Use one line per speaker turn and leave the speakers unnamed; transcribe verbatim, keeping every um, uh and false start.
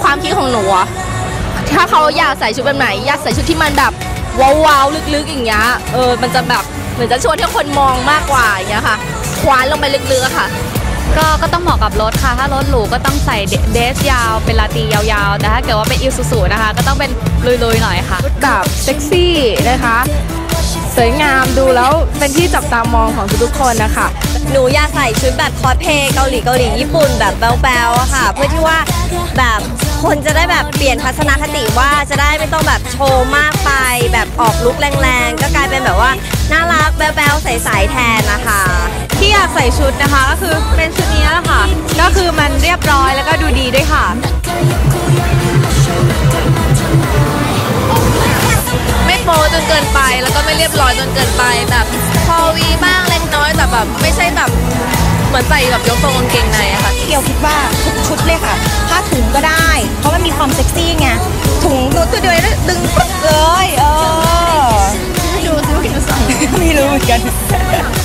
ความคิดของหนูอะถ้าเขาอยากใส่ชุดแบบไหนอยากใส่ชุดที่มันแบบว้าวๆลึกๆอย่างเงี้ยเออมันจะแบบเหมือนจะชวนให้คนมองมากกว่าอย่างเงี้ยค่ะคว้านลงไปลึกๆค่ะ
ก็ก็ต้องเหมาะกับรถค่ะถ้ารถหรูก็ต้องใส่เดรสยาวเป็นลาตียาวๆแต่ถ้าเกิดว่าเป็นอิซูซูนะคะก็ต้องเป็นลุยๆหน่อยค่ะ
แบบเซ็กซี่นะคะสวยงามดูแล้วเป็นที่จับตามองของทุกๆคนนะคะ
หนูอยากใส่ชุดแบบคอสเพลย์เกาหลีเกาหลีญี่ปุ่นแบบแบ๊วๆอะค่ะเพื่อที่ว่าแบบคนจะได้แบบเปลี่ยนทัศนคติว่าจะได้ไม่ต้องแบบโชว์มากไปแบบออกลุคแรงๆก็กลายเป็นแบบว่าน่ารักแบ๊วๆใสๆแทนนะคะ
ที่อยากใส่ชุดนะคะก็คือเป็นชุดนี้แหละค่ะก็คือมันเรียบร้อยแล้วก็ดูดีด้วยค่ะ
ไม่โป๊จนเกินไปแล้วก็ไม่เรียบร้อยจนเกินไปแบบพอวีบ้างเล็กน้อยแต่แบบไม่ใช่แบบเหมือนใส่แบบยกทรงกางเกงในอะค่ะ
เกี่ยวคิดว่าทุกชุดเลยค่ะผ้าถุงก็ได้เพราะมันมีความเซ็กซี่ไงถุงตัวตัวเดียวดึงปึ๊กเลยเออไม่รู้ไม่รู้เหมือนกัน